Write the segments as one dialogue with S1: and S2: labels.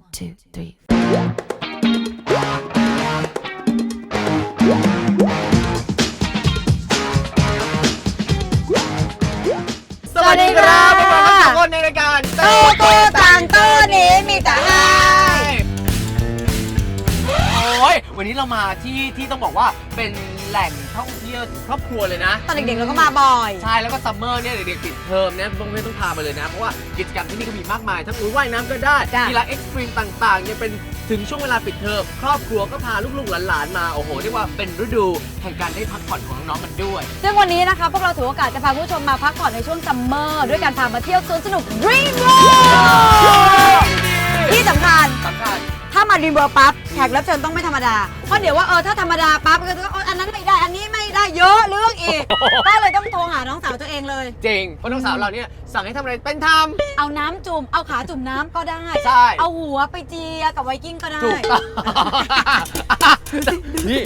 S1: two, three.
S2: สวัสดีครับพวกเราทุกคนในรายการโตโตต่างโตนี้มีแต่ให้โอ้ยวันนี้เรามาที่ต้องบอกว่าเป็นแหล่งท่องเที่ยวครอบครัวเลยนะ
S3: ตอนเด็กๆเราก็มาบ่อย
S2: ใช่แล้วก็ซัมเมอร์เนี่ยเด็กๆปิดเทอมเนี่ยต้องพามาเลยนะเพราะว่ากิจกรรมที่นี่ก็มีมากมายทั้งว่ายน้ำก็ได้กีฬาเอ็กซ์ตรีมต่างๆเนี่ยเป็นถึงช่วงเวลาปิดเทอมครอบครัวก็พาลูกๆหลานๆมาโอ้โหเรียกว่าเป็นฤดูแห่งการได้พักผ่อนของน้องๆกันด้วย
S3: ซึ่งวันนี้นะคะพวกเราถือโอกาสจะพาผู้ชมมาพักผ่อนในช่วงซัมเมอร์ด้วยการพามาเที่ยวสวนสนุก Dream World ที่สำคัญถ้ามา Dream World ปั๊บแขกรับเชิญต้องไม่ธรรมดาเพราะเดี๋ยวว่าถ้าธรรมดาปั๊บก็จะอันนั้นไม่ได้อันนี้ไม่ได้เยอะเรื่องอีกก็เลยต้องโทรหาน้องสาวตัวเองเลย
S2: จริงเพราะน้องสาวเราเนี่ยสั่งให้ทำอะไรเป็นทำ
S3: เอาน้ำจุ่มเอาขาจุ่มน้ำก็ได้
S2: ใช่
S3: เอาหัวไปเจียกับไวกิ้งก็ได้
S2: ถูกต้องนี่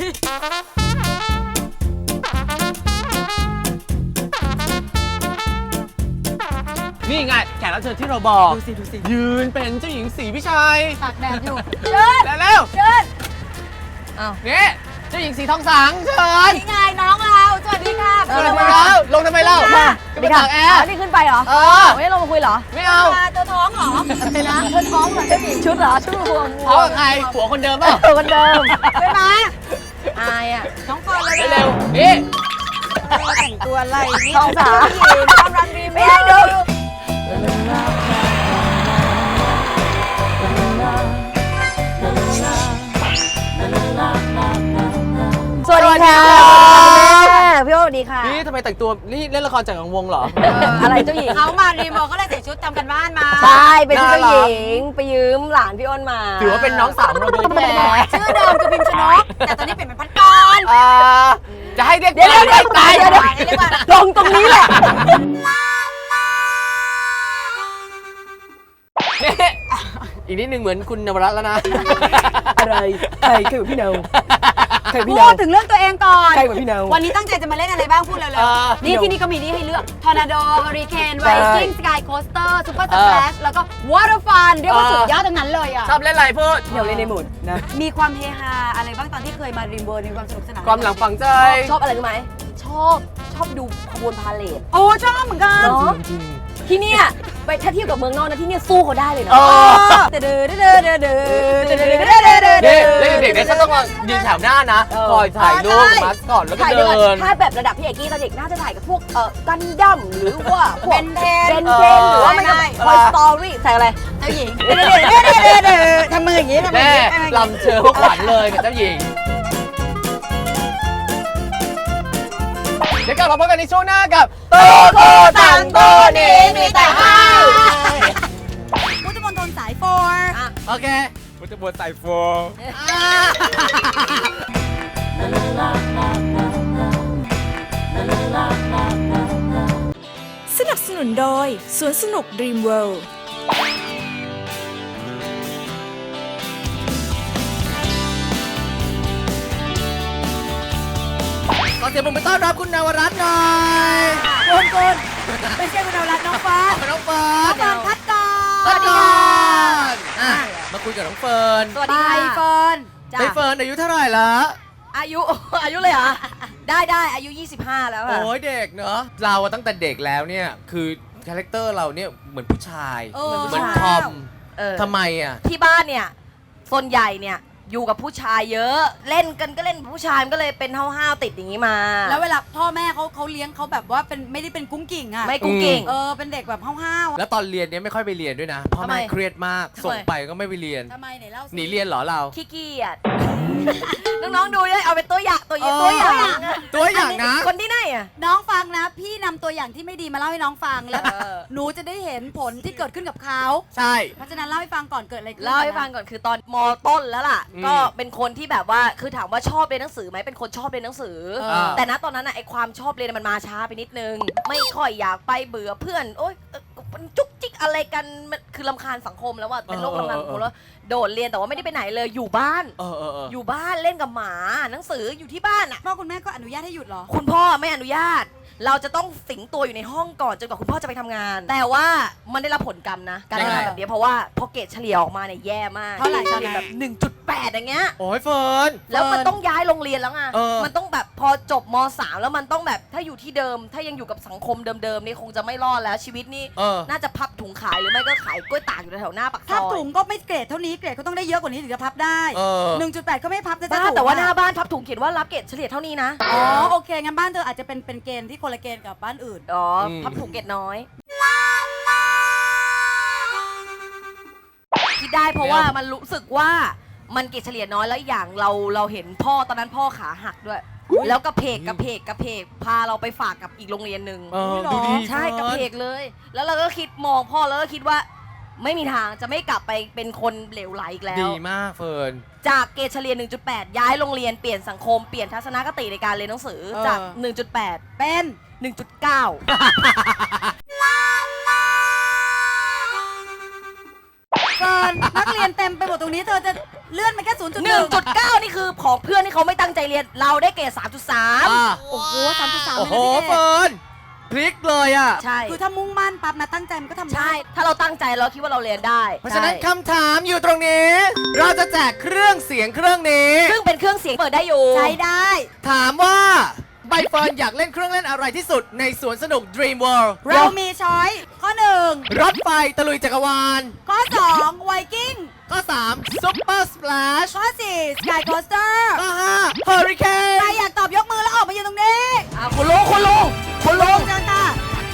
S2: นี่ไงแขกรับเชิญที่เราบอก
S3: ดูสิ
S2: ยืนเป็นเจ้าหญิงศรีวิชัย
S3: ตากแดดอยู่เชิญ
S2: เร็ว
S3: เชิญเอา
S2: นี่เจ้าหญิงสีทองสังเชิญ
S3: นี่ไงน้องเราสวัสดีค่ะ
S2: สวัสดีครับลงทำไมเล่าจะไปตากแอร์
S3: นี่ขึ้นไปเหรอไม่ได้ลงมาคุยเหรอ
S2: ไม่เอา
S3: เธอท้องเหรออะไรนะเธอท้องเหรอเจ้าหญิงชุดเหรอชุดรวม
S2: ท้องกับใครผัวคนเดิมป่ะ
S3: คนเดิมใช่ไหมอายอ่ะน้องเฟิร์นเลย
S2: เร็วนี่
S3: แต่งตัวอะไรนี่ต้องสาวหญิงต้องรันดีไม่ให้ดูสวัสดีค่ะพี่โอ๊ตสวัสดีค่ะ
S2: นี่ทำไมแต่งตัวนี่เล่นละครจากกังวงเหรอ
S3: อะไรเจ้าหญิงเขามารีโมทก็เลยใส่ชุดทำกันบ้านมา
S4: ใช่เป็นเจ้าหญิงไปยืมหลานพี่อ้นมา
S2: ถือว่าเป็นน้องสาวเราโดยแท้
S3: ชื่อเดิมคือพิมพ์ชนกแต่ตอนนี้เปลี่ยนเป็นพัดกร
S2: จะให้เรียก
S3: ตาย
S4: ลงตรงนี้แหละ
S2: อีกนิดนึงเหมือนคุณนวรัตน์แล้วนะ
S4: อะไรใครเหมือนพี่เนา
S3: พูดถึงเรื่องตัวเองก่อน
S4: ใครเหมือนพี่เนา
S3: วันนี้ตั้งใจจะมาเล่นอะไรบ้างพูดเร็วๆนี่ที่นี่ก็มีนี่ให้เลือกทอร์นาโดเฮอริเคนไวกิ้งสกายโคสเตอร์ซูเปอร์สแปลชแล้วก็วอเตอร์ฟันเรียกว่าสุดยอดทั้งนั้นเลยอ่ะ
S2: ชอบเล่นอะไรพูด
S4: เดี๋ยวเล่นในหมุนนะ
S3: มีความเฮฮาอะไรบ้างตอนที่เคยมาริมเวิร์มีความสนุกสนาน
S2: ความหลังฝังใจ
S4: ชอบอะไรรู้ไหมชอบดูขบวนพาเลท
S3: โอ้ชอบเหมือนกัน
S4: ที่เนี่ยไปถ้าเทียบกับเมืองนอกนะที่เนี่ยสู้เขาได้เลยนะ
S2: เด็กๆเนี่ยเขาต้องยืนแถวหน้านะคอยถ่ายรูปมาสก่อนแล้วก็เดิน
S4: ถ้าแบบระดับพี่เอกกี้ตอนเด็กน่าจะถ่ายกับพวกกันดั้มหรือว่าพวก
S3: เบนเทน
S4: หรือว่าไม่ก็คอยสตอรี่ใส่อะไร
S3: เจ้าหญิงทำมืออย่างนี้ทำมือ
S2: แม่ลำเชิญพวกขวัญเลยกับเจ้าหญิงเดี๋ยวกลับมาพบกันในช่วงหน้ากับโตโตต่างโตนี้มีแต่ให้
S3: พุทธมณฑลสายโฟร์
S2: โอเคพุทธมณฑลสายโฟร์
S1: สนับสนุนโดยสวนสนุก Dream World
S2: ขอเสียงปรบมือต้อนรับคุณนวรัตน์หน่อย
S3: คุณไม่ใช่คุณนวรัตน์น้องฟ้า
S2: น้องเฟิร์น
S3: พัดกร
S2: สวัสดีมาคุยกับน้องเฟิร์น
S3: สวัสดีเฟิร์น
S2: เฟิร์นอายุเท่าไหร่ละ
S4: อายุเลยเหรอได้อายุ25แล้วค่ะ
S2: โอ้ยเด็กเนอะเราตั้งแต่เด็กแล้วเนี่ยคือคาแรคเตอร์เราเนี่ยเหมือนผู้ชายเหมือนทอมทำไมอ่ะ
S4: ที่บ้านเนี่ยส่วนใหญ่เนี่ยอยู่กับผู้ชายเยอะเล่นกันก็เล่นผู้ชายมันก็เลยเป็นห้าวๆติดอย่างนี้มา
S3: แล้วเวลาพ่อแม่เขาเลี้ยงเขาแบบว่าเป็นไม่ได้เป็นกุ้งกิ่งอ่ะ
S4: ไม่กุ้งกิ่ง
S3: เป็นเด็กแบบห้าว
S2: ๆแล้วตอนเรียนเนี่ยไม่ค่อยไปเรียนด้วยนะพ่อแม่เครียดมากส่งไปก็ไม่ไปเรียน
S3: ทำไมไหนเล่า
S2: หนีเรียนเหรอเรา
S4: ขี้เกียจน้องๆดูเลยเอาเป็นตัวอย่างนะคนที่ไหนอ่ะ
S3: น้องฟังนะพี่นำตัวอย่างที่ไม่ดีมาเล่าให้น้องฟังแล้วหนูจะได้เห็นผลที่เกิดขึ้นกับเขา
S2: ใช่
S3: เพราะฉะนั้นเล่าให้ฟังก่อนเกิดอะไรขึ้น
S4: เล่าให้ฟังก่อนคือตอนม.ต้นแล้วล่ะก็เป็นคนที่แบบว่าคือถามว่าชอบเรียนหนังสือไหมเป็นคนชอบเรียนหนังสือแต่ณตอนนั้นไอความชอบเรียนมันมาช้าไปนิดนึงไม่ค่อยอยากไปเบื่อเพื่อนโอ๊ยมันจุกจิกอะไรกันมันคือรำคาญสังคมแล้วว่าเป็นโรครำคาญสังคมแล้วโดดเรียนแต่ว่าไม่ได้ไปไหนเลยอยู่บ้านอยู่บ้านเล่นกับหมาหนังสืออยู่ที่บ้านอ่ะ
S3: พ่อคุณแม่ก็อนุญาตให้หยุดเหรอ
S4: คุณพ่อไม่อนุญาต เราจะต้องสิงตัวอยู่ในห้องก่อนจนกว่าคุณพ่อจะไปทำงาน แต่ว่ามันได้รับผลกรรมนะการทำงานแบบนี้เพราะว่าพอเกรดเฉลี่ยออกมาเนี่ยแย่มาก
S3: เท่าไหร่
S4: เฉลี่ยแบบ 1.8 อย่างเงี้ย
S2: โอ้ยเฟิร์น
S4: แล้วมันต้องย้ายโรงเรียนแล้วไง
S2: เออ
S4: มันต้องแบบพอจบม .3 แล้วมันต้องแบบถ้าอยู่ที่เดิม ถ้ายังอยู่กับสังคมเดิมๆนี่คงจะไม่รอดแล้วชีวิตนี่ น่าจะพับถุงขายหรือไม่ก็ขายกล้วยตากอยู่แถวหน้าปากซ
S3: พับ
S4: อย
S3: ถุงก็ไม่เกรดเท่านี้เกรดก็ต้องได้เยอะกว่านี้ถึงจะพับได้ 1.8 ก็ไม่พับนะจ๊ะ
S4: บ้า
S3: ถูก
S4: แต่ว่า
S3: อะ
S4: หน้าบ้านพับถุงเขียนว่ารับเกรดเฉลี่ยเท่านี้นะ
S3: อ๋อโอเคงั้นบ้านเธออาจจะเป็นเกณฑ์ที่คนละเกณฑ์กับบ้านอื่น
S4: อ๋อพับถุงเกรดน้อยคิดได้เพราะว่ามันรู้สึกว่ามันเกรดเฉลี่ยน้อยแล้วอย่างเราเห็นพ่อตอนนั้นพ่อขาหักด้วย แล้วกระเพกพาเราไปฝากกับอีกโรงเรียนหนึ่ง
S2: ดูดี
S4: ใช่กระเพกเลย แล้วเราก็คิดมองพ่อแล้วก็คิดว่า ไม่มีทางจะไม่กลับไปเป็นคนเหลวไหลอีกแล้ว
S2: ดีมากเฟิร์น
S4: จากเกรดเฉลี่ย 1.8 ย้ายโรงเรียนเปลี่ยนสังคมเปลี่ยนทัศนคติในการเรียนหนังสือจาก 1.8
S3: เป็น
S4: 1.9
S3: เกินนักเรียนเต็มไปหมดตรงนี้เธอจะเลื่อนมาแค่ 0.1
S4: 1.9 นี่คือของเพื่อนที่เขาไม่ตั้งใจเรียนเราได้เกรด 3.3
S3: โอ้โห 3.3
S2: โอ้โหเฟิร์นพลิกเลยอ่ะ
S4: ใช่
S3: คือถ้ามุ่งมั่นปั๊บนะตั้งใจมันก็ทำได้
S4: ใช่ ถ้าเราตั้งใจเราคิดว่าเราเรียนได้
S2: เพราะฉะนั้น
S4: ใช่
S2: คำถามอยู่ตรงนี้ เราจะแจกเครื่องเสียงเครื่องนี้
S4: ซึ่งเป็นเครื่องเสียงเปิดได้อยู่
S3: ใช้ได้
S2: ถามว่าใบเฟิร์นอยากเล่นเครื่องเล่นอะไรที่สุดในสวนสนุก Dream World
S3: เรามีช้อยข้อ 1
S2: รถไฟตะลุยจักรวาล
S3: ข้อ 2 ไวกิ้ง
S2: ข้อ 3 Super Splash
S3: ข้อ 4 สกายโคสเตอร์
S2: ข้อ 5 Hurricane
S3: ใครอยากตอบยกมือแล้วออกมาอยู่ตรงนี้
S4: คุณลุง
S3: คุณลุงเจ้าตา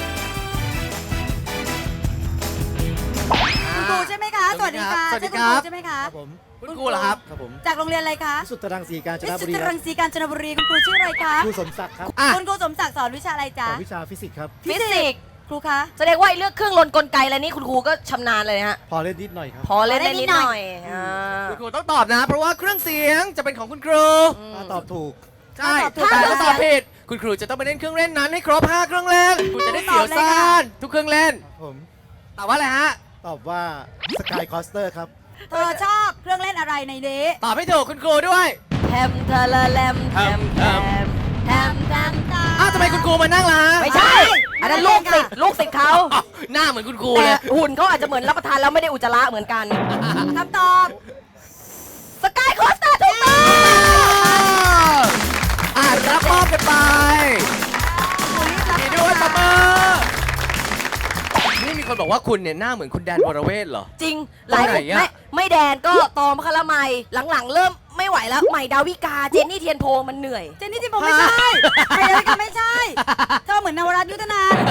S3: คุณครูใช่ไหมคะ สวัสดีค่ะ
S2: สวัสดี
S3: ใช่
S2: ครั
S3: คุณค
S2: บ
S3: รูใช่ไหมคะ
S5: ครับผม
S2: คุณครูเหรอครับ
S5: ครับผม
S3: จากโรงเรียนอะไรคะ
S5: วิสุทธรังสีกาญจ
S3: วิ
S5: น
S3: สุ
S5: บุ
S3: ท
S5: รี
S3: ธิ
S5: ค
S3: รั
S5: รับ
S3: งสีกาญจนบุรีคุณครูชื่ออะไรคะ
S5: ครูสมศักดิ์ครับ
S2: อ่ะ
S3: คุณครูสมศักดิ์สอนวิชาอะไร
S5: ส
S3: จ๊ะ
S5: อนวิชาฟิสิกส์ครับ
S4: ฟิสิกส์
S3: ครูคะ
S4: แสดงว่าไอ้เรื่องเครื่องลนกลไกอะไรนี่คุณครูก็ชำนาญเลยนะฮะ
S5: พอเล่นนิดหน่อยครับ
S4: พอเล่นได้นิดหน่อยอ่า
S2: คุณครูต้องตอบนะ เพราะว่าเครื่องเสียงจะเป็นของคุณครู
S5: ถ้าตอบถูก
S2: ใช่
S3: ถ้าตอบถูก
S2: แต่ถ้าตอบผิดคุณครูจะต้องไปเล่นเครื่องเล่นนั้นให้ครบ 5 เครื่องเล่นคุณจะได้เสียวซ่านทุกเครื่องเล่น
S5: ผม
S2: ตอบว่าอะไรฮะ
S5: ตอบว่าสกายคอสเตอร์ครับ
S3: เธอชอบเครื่องเล่นอะไรในนี้
S2: ตอบให้ถูกคุณครูด้วย
S4: แทมทะละแลมแทมแทมแทมแทม
S2: อ้าวทำไมคุณครูมานั่งล่ะ
S4: ไม่ใช่ อันนั้นลูกศิษย์เขา
S2: อ้าวหน้าเหมือนคุณครู
S4: แต่
S2: เลย
S4: หุ่นเขาอาจจะเหมือนรับประทานแล้วไม่ได้อุจจาระเหมือนกัน
S3: คำตอบ
S4: สกายโคสเตอร์ถูกต้อง
S2: รับมอบกันไปดีด้วยตบมือนี่มีคนบอกว่าคุณเนี่ยหน้าเหมือนคุณแดนวรเวทเหรอ
S4: จริง หลาย
S2: ตรง
S4: ค
S2: ไหน
S4: น
S2: อะ
S4: ไม่แดนก็ตอมพคละไมหลังๆ เริ่มไม่ไหวแล้วใหม่ดาวิกาเจนนี่เทียนโพมันเหนื่อย
S3: เจนนี่ที่ผมไม่ใช่ไอ้อะไรก็ไม่ใช่ เธอเหมือนนวรัตน์ยุทธนาน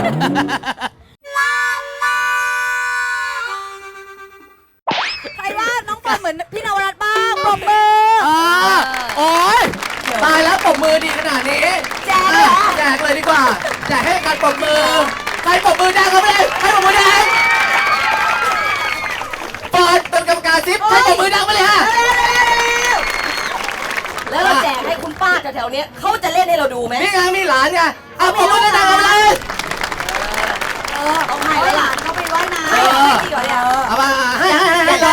S3: ใครว่าน้องเฟิร์นเหมือนพี่นวรัตน์บ้างปรบมือ
S2: โอ๊ยตายแล้วปรบมือดีขนาดนี้
S3: แจกเลยเหรอ
S2: แจกเลยดีกว่าแจกให้การปรบมือใครปรบมือแดงเขาไปเลยให้ปรบมือแดงเปิดเป็นกรรมการซิปให้ปรบมือดังไปเลยฮะ
S4: แล้วเราแจกให้คุณป้าแถวๆเนี้ยเขาจะเล่นให้เราดูไหม
S2: นี่ไงมีหลานไงเอาปรบมือดังๆเอาไปเลย
S4: ต้องให้
S3: ให้
S4: แล้ว
S3: ห
S4: ล่ะ
S3: ลานเขาไปว่ายน้
S4: ให้จริงเหรอเนี่ย
S2: เอามาให้เลย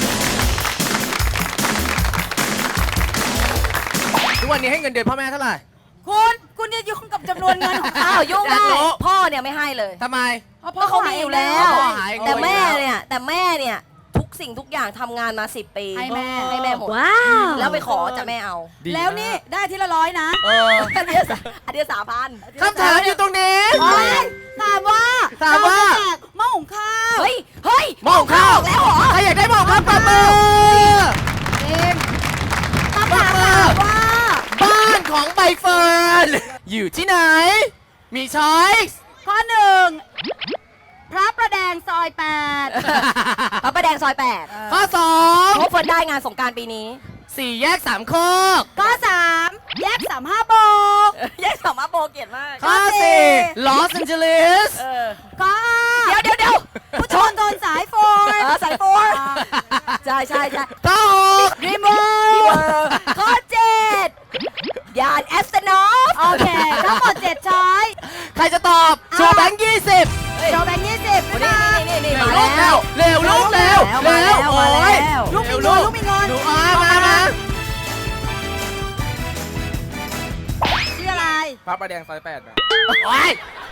S2: ทุกวันนี้ให้เงินเดือนพ่อแม่เท่าไหร่
S3: ำคุณจะยุ่งกับจำนวนเงินของเขา
S4: อ้าวยุ่ง
S2: อยาก
S4: ได้
S2: รู้
S4: พ่อเนี่ยไม่ให้เลย
S2: ทำไม
S4: เพราะเขามีอยู่แล้ว
S2: พ่อหาเอง
S4: แต่แม่
S2: อยู่แล้ว
S4: เนี่ยทุกสิ่งทุกอย่างทำงานมา10 ปี
S3: ให้แม่
S4: ให้แม่หมดแล้วไปขอจะแม่เอา
S2: ดี
S3: แล้วนี่ได้ทีละ100นะ
S2: เออ
S4: อันเดียว3,000
S2: คำถามอยู่ตรงนี้
S3: ถามว่า
S2: ถามว่า
S3: เรจะแจกหม้อหุงข้าว
S4: เฮ้ย
S2: หม้อหุงข้าว
S4: แล้วเหรอ
S2: ใครอยากได้หม้อหุงข้าวปรบมือ
S3: เองคำถามถามว่า
S2: บ้านของใบเฟิร์นอยู่ที่ไหน มีช้อยส์
S3: ข้อ 1 พระประแดงซอย 8
S4: พระประแดงซอย
S2: ข้อ
S4: 8พบเฟิร์นได้งานสงกรารปีนี้
S2: 2 4 แยก3โคก
S3: ข้อ 3 แยก 35 โบก
S4: แยกสามารถโบเกียรติมาก
S2: ข้อ 4 ลอสแอนเจลิส
S3: ข้อ
S4: เดี๋ยว
S3: ผู้ชนทนสายโฟน
S4: สายโฟร์ใช่
S2: ข้อ
S3: รีโมท
S4: ข้อ7ยานแอสเตนอฟ
S3: โอเค ทั้งหมด7ช้อย
S2: 6ใครจะตอบโชว์แบงค์20
S3: โชว์แบงค์20
S4: นี่
S3: นะ
S4: นี่มาแล้ว
S3: งอนลูกมีงอน
S2: หนูมา
S3: ชื่ออะไร
S6: พระประแดงซอย8นะ
S2: โอ๊ย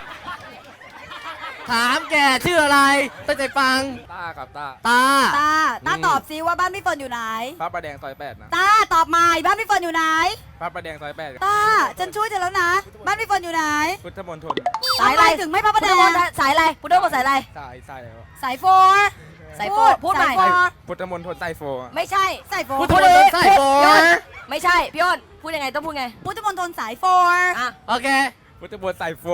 S2: ถามแกชื่ออะไรตั้งใจฟัง
S6: ต้าครับต้า
S2: ตา
S3: ตาตอบซิว่าบ้านพี่เฟิร์นอยู่ไหน
S6: พระประแดงซอย8นะ
S3: ตาตอบมาบ้านพี่เฟิร์นอยู่ไหน
S6: พระประแดงซอย8
S3: ตาฉันช่วยเธอแล้วนะ บ้านพี่เฟิร์นอยู่ไหน
S6: พุทธมณฑล
S3: สายอะไรถึงไม่พระประแดง
S4: สายอะไรพุทธมนต์สายอะไร
S6: สายแล้ว
S3: สายโฟร์
S4: สายโฟพูดใหม่
S3: สายโฟร์
S6: พุทธมณฑลสายโฟ
S4: ไม่ใช่
S3: สายโฟร์
S2: พุทธมณฑลสายโฟร์
S4: พี่อ้นไม่ใช่พี่อ้นพูดยังไงต้องพูดไง
S3: พุทธมณฑลสายโฟร์
S4: อ่ะ
S2: โอเค
S6: พุทธมณฑลสายโฟ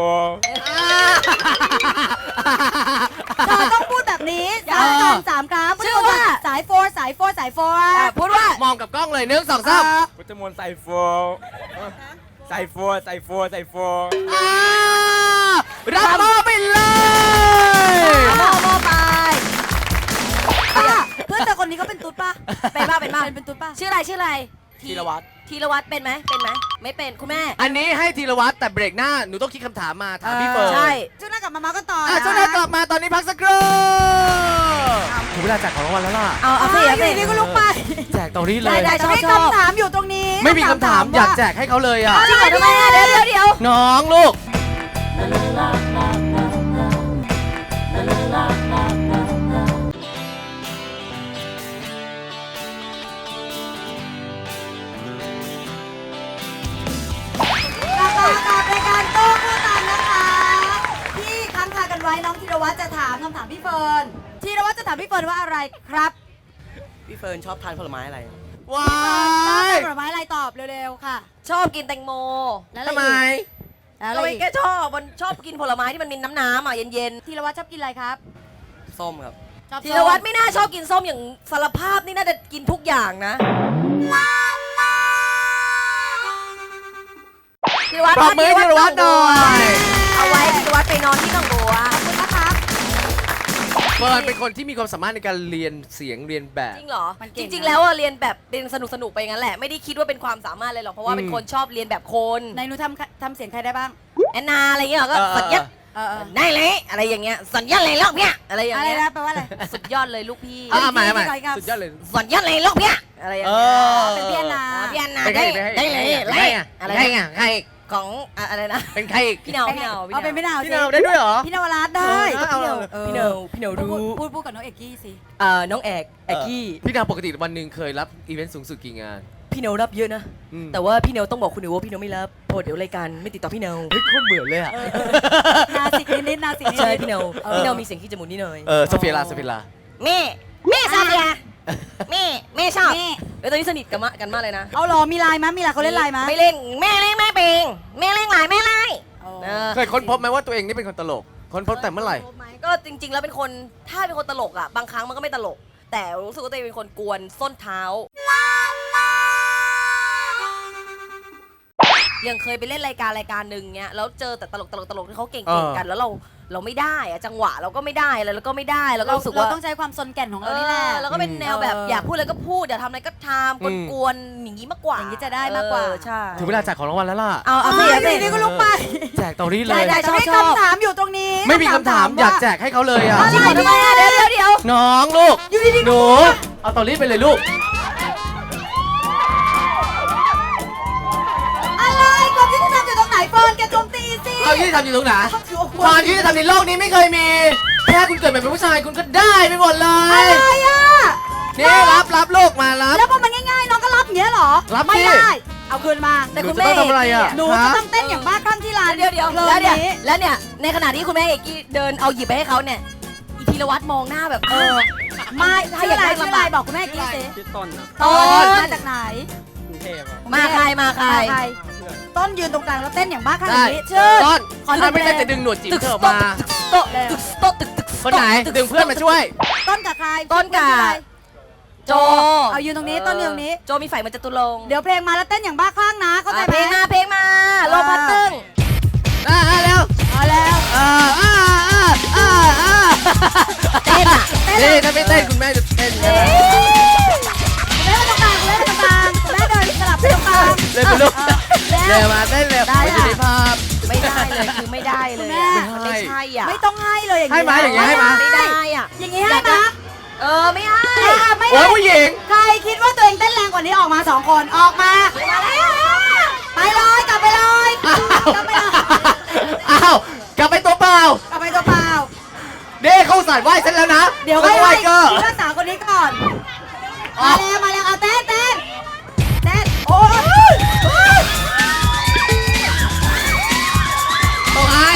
S3: เธอต้องพูดแบบนี้3 ครั้งพุทธมณฑลสายโฟร์สายโฟร์สายโฟร์
S4: พูดว่าม
S2: องกับกล้องเลย1 2 3
S6: พุทธมณฑลสายโฟสายโฟสายโฟสายโฟ
S2: รับมอไปเลย
S4: โมไป
S3: เพื่อนเธอคนนี้เขาเป็นตุ๊ดป่ะ
S4: เป็นบ้าเป็นบ้า
S3: เป็นตุ๊ดป่ะ
S4: ชื่ออะไรชื่ออะไร
S6: ธีรวัตร
S4: ธีรวัตรเป็นไหมไม่เป็นคุณแม่
S2: อันนี้ให้ธีรวัตรแต่เบรกหน้าหนูต้องคิดคำถามมาถามพี่เฟิร์น
S4: ใช่
S3: ช่วงหน้ากลับมาเมาส์กันต่อ
S2: อ่ะ
S3: นะ
S2: ช่วงหน้ากลับมาตอนนี้พักสักครู่ถึงเวลาแจกของรางวัลแล้วล่ะ
S4: เอาสิ
S3: อยู่
S4: เอาสิ
S3: ดีๆก็ลุกไป
S2: แจกตรงนี้เลย
S4: ได้
S3: แต่ให้คำถามอยู่ตรงนี้
S2: ไม่มีคำถามอยากแจกให้เขาเลยอ่ะ
S4: จริงเหรอทำไมอ่ะเดี๋ยว
S2: น้องลูก
S3: กลับมากับรายการโต้ผู้ตันนะคะ ที่ค้างคากันไว้น้องธีรวัตรจะถามคำถามพี่เฟิร์นธีรวัตรจะถามพี่เฟิร์นว่าอะไรครับ
S7: พี่เฟิร์นชอบทานผลไม้อะไร
S2: ว้า
S3: ชอบ
S2: ย
S3: ผลไม้อะไรตอบเร็วๆค่ะ
S4: ชอบกินแตงโม
S3: แล้วอะไร
S2: ทำไม
S3: อีกแล้วอะไร
S4: ก็
S3: อีก
S4: แค่ชอบมันชอบกินผลไม้ที่มันมีน้ำอ่ะเย็น
S3: ธีรวัตรชอบกินอะไรครับ
S7: ส้มครับ
S3: ชอบ
S4: ๆธีรวัตรไม่น่าชอบกินส้มอย่างสารภาพนี่น่าจะกินทุกอย่างนะธีรวัตร
S2: ปรบมือให้ธีรวัตรหน่อย
S4: เอาไว้ธีรวัตรไปนอนที่หนองบัว
S3: ขอบคุณนะครับ
S2: เฟิร์นเป็นคนที่มีความสามารถในการเรียนเสียงเรียนแบบ
S4: จริงเหรอ
S3: มันเก่
S4: จ
S3: งนะ
S4: ริง ๆ แล้วอะเรียนแบบเรียนสนุกๆไปอย่างนั้นแหละไม่ได้คิดว่าเป็นความสามารถเลยหรอกเพราะว่าเป็นคนชอบเรียนแบบคน
S3: ในหนูทำเสียงใครได้บ้าง
S4: แอนนาอะไรเงี้ยก็สัญญา ได้เลยอะไรอย่างเงี้ยสัญญาเลยลูกเนี้ยอะไรอย่าง
S3: อะไร
S4: เงี้ย
S3: นะแปลว่าอะไร
S4: สุดยอดเลยลูกพี่
S2: ใหม่
S3: พี่ครับ
S2: สุดยอดเลย
S4: สัญญาเลยลูกเนี้ยอะไรอย่าง
S2: เอ
S4: เงี้ย
S2: อ
S3: เป็นพี่แอนนา
S4: พี่แอนนา
S2: เป็นใคร
S4: ได้เลย
S2: เป็น
S4: เล
S2: ใคร
S4: ย
S2: อ่ะ
S4: อะไร
S2: ใครอ่ะใคร
S4: ของอะไรนะ
S2: เป็นใครอีก
S4: พี่เนา
S3: เอาเป็นพี่นาว
S2: พี่นาวได้ด้วยเหรอ
S3: พี่นวรัตน์ได้
S2: เอาเอา
S4: พี่เนาพี่เนา
S3: พู
S4: รู้
S3: ดกับน้องเอกกี้สิ
S4: น้องแอกแอกกี้
S2: พี่นาวปกติวันหนึ่งเคยรับอีเวนต์สูงสุดกี่งาน
S4: พี่เนารับเยอะนะ
S2: อืม
S4: แต่ว่าพี่เนาต้องบอกคุณหนูว่าพี่เนาไม่รับเพราะเดี๋ยวรายการไม่ติดต่อพี่เนา
S2: เฮ้ยโคตรเหมือนเลยอ่ะ
S3: นาสิกนิดๆนาสิกนิดๆ
S4: ใช่พี่เนาพี่เนามีเสียงขี้จมูกนิดหน่อย
S2: โซเฟียลาโซเฟียลา
S4: แม่ชอบเนี่ยแม่ชอบแล้วตอนนี้สนิทกันมากเลยนะ
S3: เอาเหรอมีไลน์มั้ยมีไลน์เขาเล่นไลน์มั้ย
S4: ไม่เล่นแม่เล่นแม่เป็งแม่เล่นหลายแม่ไล่
S2: เคยค้นพบไหมว่าตัวเองนี่เป็นคนตลก ค้นพบแต่เมื่อไหร่
S4: ก็จริง ๆ แล้วเป็นคนถ้าเป็นคนตลกอ่ะบางครั้งมันก็ไม่ตลก แต่รู้สึกว่าตัวเองเป็นคนกวนส้นเท้ายังเคยไปเล่นรายการหนึ่งเนี้ยแล้วเจอแต่ตลกที่เขาเก่งๆกันแล้วเราไม่ได้อะจังหวะเราก็ไม่ได้แล้วก็ไม่ได้แล้วก็รู้สึกว่า
S3: เราต้องใช้ความซนแก่นของเรานี่แหละ
S4: แล้วก็เป็นแนวแบบอยากพูดอะไรก็พูดอยากทำอะไรก็ทำกวนๆอย่างนี้มากกว่า
S3: อย่างนี้จะได้มากกว่า
S4: ใช่
S2: ถึงเวลาแจกของรางวัลแล้วล่ะ
S4: เอาสิ
S3: อยู่ดีๆก็ลุกไป
S2: แจกตรงนี้เลย
S4: ได้
S3: แต่ให้คำถามอยู่ตรงนี้
S2: ไม่มีคำถามอยากแจกให้เขาเลยอ่ะ
S4: จริงเหรอทำไมอะเดี๋ยว
S2: น้องลูก
S3: อยู่ดีๆ
S2: หนู เอาตอนนี้ไปเลยลูก
S3: อะไรความยุติธรรมอยู่ตรงไหนเฟิร์นแกโจมตีสิ
S2: เอายุติธรรมอยู่ตรงไหนความยุติธรรมในโลกนี้ไม่เคยมี แค่คุณเกิดมาเป็นผู้ชายคุณก็ได้ไปหมดเล
S3: อะ
S2: ย
S3: ไรอ่ะ
S2: นี่รับลูกมารับ
S3: แล้วพอมันง่ายๆน้องก็รับอย่างเงี้ยเหรอ
S2: รับ
S3: ไม่
S2: สิ
S3: ได้ เอาคืนมา
S4: แต่คุณ
S2: หนูจะต้องทำอะไรอะ
S3: หนูจะต้องเต้นอย่างบ้าคลั่งที่ร้าน
S4: เดี๋ยว
S3: เพลิ
S4: แล้ว
S3: น
S4: เนี่ย
S3: นี้
S4: แล้วเนี่ยในขณะที่คุณแม่เอกกี้เดินเอาหยิบไปให้เขาเนี่ยอีธีรวัตรมองหน้าแบบ
S3: ไม่
S4: ถ้า
S3: ชื่อ
S4: อยาก
S3: อะไร
S4: ได้
S3: ชื่อ
S4: ลำ
S3: อะไร
S4: บาก
S3: บอกคุณแม่กี้สิ
S7: ชื่อต้นครับ
S3: ต้นมาจากไหน
S7: กรุงเทพครับ
S4: มาใคร
S3: มาใครต้นยืนตรงกลางแล้วเต้นอย่างบ้าคลั่งอ
S2: ได้
S3: ย่างนี้ชื่อ
S2: ต้น
S3: ขอ
S2: ถ้าไม่ได้
S3: เพลง
S2: จะดึงหนวดจิ๋ม
S4: ตึก
S2: เธอออก
S4: โต๊ะ
S2: มา
S4: โต๊ะตึกโต๊ะตึก
S2: คนไหนดึงเพื่อนมาช่วย
S3: ต้นกับใคร
S4: ต้นกับโจ
S3: เอายืนตรงนี้ต้นยืนตรงนี้
S4: โจมีไฟมันจะตุลง
S3: เดี๋ยวเพลงมาแล้วเต้นอย่างบ้าคลั่งนะเข้าใจไห
S4: เพ
S3: ม
S4: ลงมาลมพัดตึ้ง
S2: เร็ว
S3: เอาแล้ว
S4: เต้นอ่ะ
S2: นี่ถ้าไม่เต้นคุณแม่จะเต้นใช่ไหม
S3: คุณแม่มาตรงกลางคุณแม่มาตรงกลางคุณแม่เดินสลับไปตรงกลาง
S2: เร็วไปลูกเร็วมาเต้นเร็ว
S3: ได้
S2: ไม่
S3: ค่ะ
S2: ได้ภาพ
S4: ไม่ได้เลยคือไม่ได้เลย
S3: แม่
S4: มันไม่ใช่อ่ะ
S3: ไม่ต้องให้เลยอย่าง
S2: ให้มาอย่างงี้ให้มา
S4: ไม่ได้อ่ะ
S3: อย่างนี้ให้มา
S4: ไม่ให้
S3: ไม่
S2: โอ้ยผู้หญิง
S3: ใครวันนี้ออกมา2 คนออกมาไปเลยกลับไปเลยกลับไปเลย
S2: อ้าวกลับไปตัวเปล่าก
S3: ลับไปตัวเปล่า
S2: เด้เข้าสายไหว้ฉันแล้วนะ
S3: เดี๋ยว
S2: ไม่
S3: ให้
S2: ไหว้ก็
S3: พี่รักษาคนนี้ก่อนมาแล้วเอาเต้นโอ้ย
S2: ต้องให้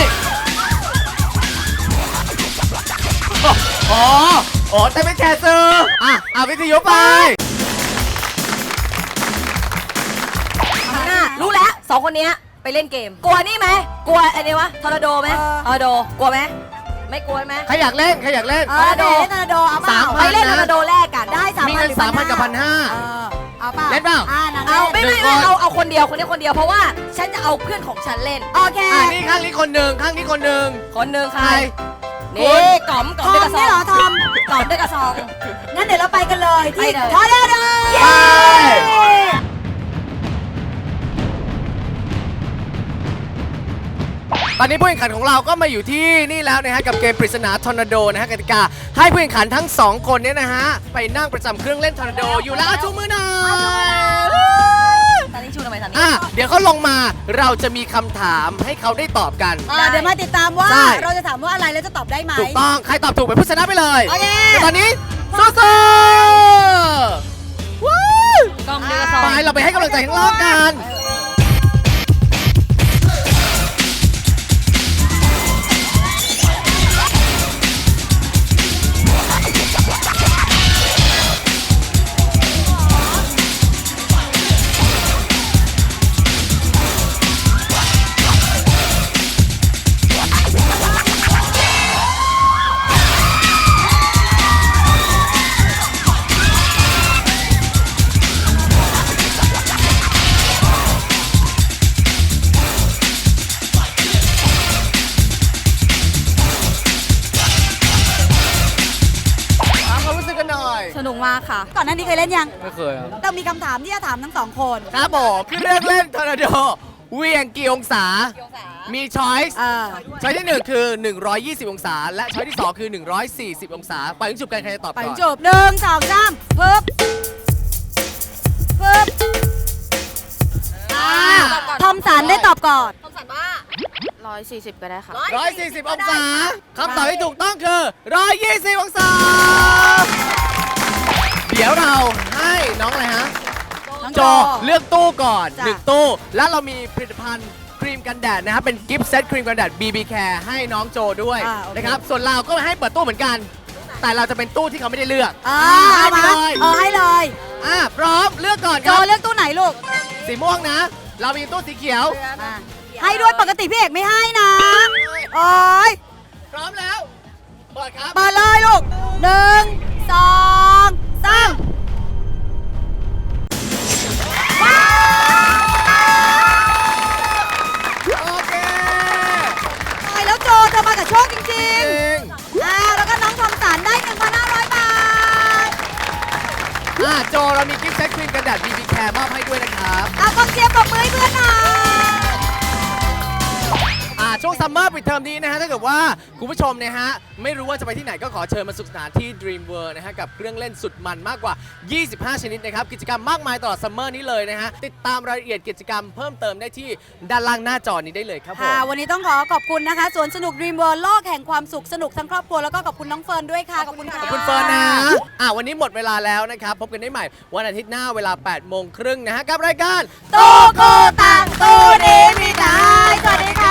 S2: อ๋อแต่ไม่แชร์ซื้อวิทยุไป
S4: รู้แล้ว2 คนเนี้ยไปเล่นเกม กลัวนี่ไหมกลัวอะไรวะทอร์นาโดไหมทอร์นาโดกลัวไหมไม่กลัวไหม
S2: ใครอยากเล่น
S3: ทอร์นาโดเอาเปล่า
S2: 3,000
S4: ไปเล่นทอร์นาโดแรกกัน
S3: ได้3,000
S2: มีเงิน 3,000 กับ
S3: เอาเปล่า
S2: เล่นเปล่า
S4: เอาไม่เอาคนเดียวคนเดียวเพราะว่าฉันจะเอาเพื่อนของฉันเล่น
S3: โอเค
S2: นี่ข้างนี้คนหนึ่งข้างนี้คนหนึ่ง
S4: คนหนึ่งใคร
S2: ใคร
S4: นี่ก๋อม
S3: ท
S4: ด้วย
S3: อ
S4: ก
S3: ม
S4: ระซ
S3: นี่
S4: อ
S3: เหรอง ทอม
S4: ก๋อมด้วยกระซอง
S3: งั้นเดี๋ยวเราไปกันเลยที่
S4: ไปเลย
S3: ทอร์นาโด
S2: ตอนนี้ผู้แข่งขันของเราก็มาอยู่ที่นี่แล้วนะฮะกับเกมปริศนาทอร์นาโดนะฮะกติกาให้ผู้แข่งขันทั้ง 2 คนเนี่ยนะฮะไปนั่งประจำเครื่องเล่นทอร์นาโดอยู่แล้วชูมือหน่อย
S4: ตอนนี้ชูทำไมตอนนี้
S2: เดี๋ยวเขาลงมาเราจะมีคำถามให้เขาได้ตอบกัน
S3: เดี๋ยวมาติดตามว่า
S2: ใช่
S3: เราจะถามว่าอะไรแล้วจะตอบได้ไหม
S2: ถูกต้องใครตอบถูกเป็นผู้ชนะไปเลย
S3: โอเค
S2: แต่ตอนนี้สู้ๆวู้
S4: ก๋อมด้วยกระซอง
S2: ไปเราไปให้กำลังใจข้างล่างกัน ถามความรู้สึกกันหน่อย
S4: สนุกมากค่ะ
S3: ก่อนหน้านี้เคยเล่นยัง
S6: ไม่เคยครับ
S3: เรามีคำถามที่จะถามทั้ง2 คน
S2: ครับผมคือเรื่องเล่นทอร์นาโดเหวี่ยงกี่องศา มีช้อยส์ ช้อยที่ 1 คือ 120 องศา และช้อยที่ 2 คือ 140 องศาไปถึงจุดกันใครจะตอบ
S3: ไป
S2: ก่อน
S3: จบ1 2 3ปึ๊บทอมสันได้ตอบก่อน
S4: คำสั่งว่า
S1: 140 ก็ได้ค่ะ
S2: 140 องศาคำตอบที่ถูกต้องคือ 120 องศา เดี๋ยวเราให้น้องอะไรฮะ
S3: น้อง
S2: โจเลือกตู้ก่อน
S3: จ้ะ
S2: 1 ตู้ แล้วเรามีผลิตภัณฑ์ครีมกันแดดนะครับเป็นกิฟต์เซตครีมกันแดด BB Care ให้น้องโจด้วยนะครับส่วนเราก็ให้เปิดตู้เหมือนกัน แต่เราจะเป็นตู้ที่เขาไม่ได้เลือก
S3: เอามา
S2: ให้ไปเลย
S3: ให้เลย
S2: พร้อมเลือกก่อนค
S3: โจ
S2: รับ
S3: เลือกตู้ไหนลูก
S2: สีม่วงนะ เรามีตู้สีเขียว
S3: ให้ด้วยปกติพี่เอกไม่ให้นะโอ้ย
S2: พร้อมแล้วเปิดครับ
S3: เปิดเลยลูก1 2 3ว้าว
S2: โอเค
S3: ตายแล้วโจเธอมากับโชคจริง
S2: จริง
S3: ๆแล้วก็น้องทอมสันได้ 1,500 บาท
S2: โจเรามีกิฟต์เซตครีมกันแดด BB Care มอบให้ด้วยนะครับ
S3: กองเชียร์ปรบมือให้เพื่อนหน่อย
S2: ช่วงซัมเมอร์ปิดเทอมนี้นะฮะถ้าเกิดว่าคุณผู้ชมนะฮะไม่รู้ว่าจะไปที่ไหนก็ขอเชิญมาสนุกสนานที่ Dream World นะฮะกับเครื่องเล่นสุดมันมากกว่า 25 ชนิดนะครับกิจกรรมมากมายตลอดซัมเมอร์นี้เลยนะฮะติดตามรายละเอียดกิจกรรมเพิ่มเติมได้ที่ด้านล่างหน้าจอนี้ได้เลยครับผม
S3: ค่ะ วันนี้ต้องขอบคุณนะคะสวนสนุก Dream World โลกแห่งความสุขสนุกทั้งครอบครัวแล้วก็ขอบคุณน้องเฟิร์นด้วยค่ะ ขอบคุณค่ะ
S2: ขอบคุณเฟิร์นนะวันนี้หมดเวลาแล้วนะครับพบกันได้ใหม่วันอาทิตย์หน้าเวลา 8:30 นะฮะกับรายการ
S3: โตโกตังโตเดมิตายสวัสดีค่ะ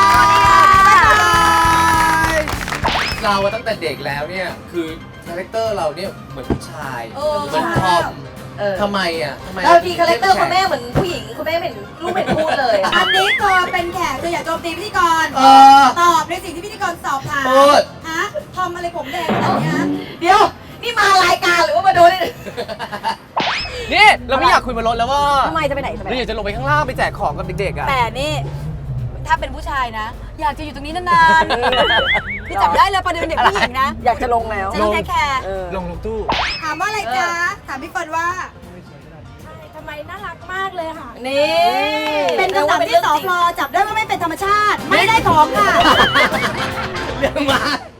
S2: เราตั้งแต่เด็กแล้วเนี่ยคือคาแรคเตอร์เราเนี่ยเหมือนผู้ชาย
S3: เออ
S2: เหมือนทอมทำไมทำไม
S4: เราดีคาแรคเตอร์คุณแม่เหมือนผู้หญิงคุณแม่เป็นลูกเป็นพูดเลย
S3: อันนี้เธอเป็นแขกเธออย่าโจมตีพิธีกร ตอบในสิ่งที่พิธีกรสอบถาม
S2: พูด
S3: ฮะทอมอะไรผมแดงขนาดนี้ฮะ
S4: เดี๋ยว นี่มารายการหรือว่ามาโดนนี่
S2: นี่เราไม่อยากคุยบนรถแล้วว่า
S4: ทำไมจะไปไหนจะไป
S2: เรา
S4: ไหน
S2: อยากจะลงไปข้างล่างไปแจกของกับเด็กๆอ่ะ
S3: แต่นี่ ถ้าเป็นผู้ชายนะ อยากจะอยู่ตรงนี้นานๆพี่จับได้เลยประเด็นเด็กผู้หญิงนะ
S4: อยากจะลงแล้ว
S3: จะต้องแคร์
S2: ลงตู้
S3: ถามว่าอะไรจ๊ะ ถามพี่เฟิร์นว่า
S1: ทำไมน่ารักมากเลยค่ะ
S4: นี่
S3: เป็นคำถามที่สพจับได้ว่าไม่เป็นธรรมชาติ ไม่ได้ของค่ะ
S2: เรื่องมา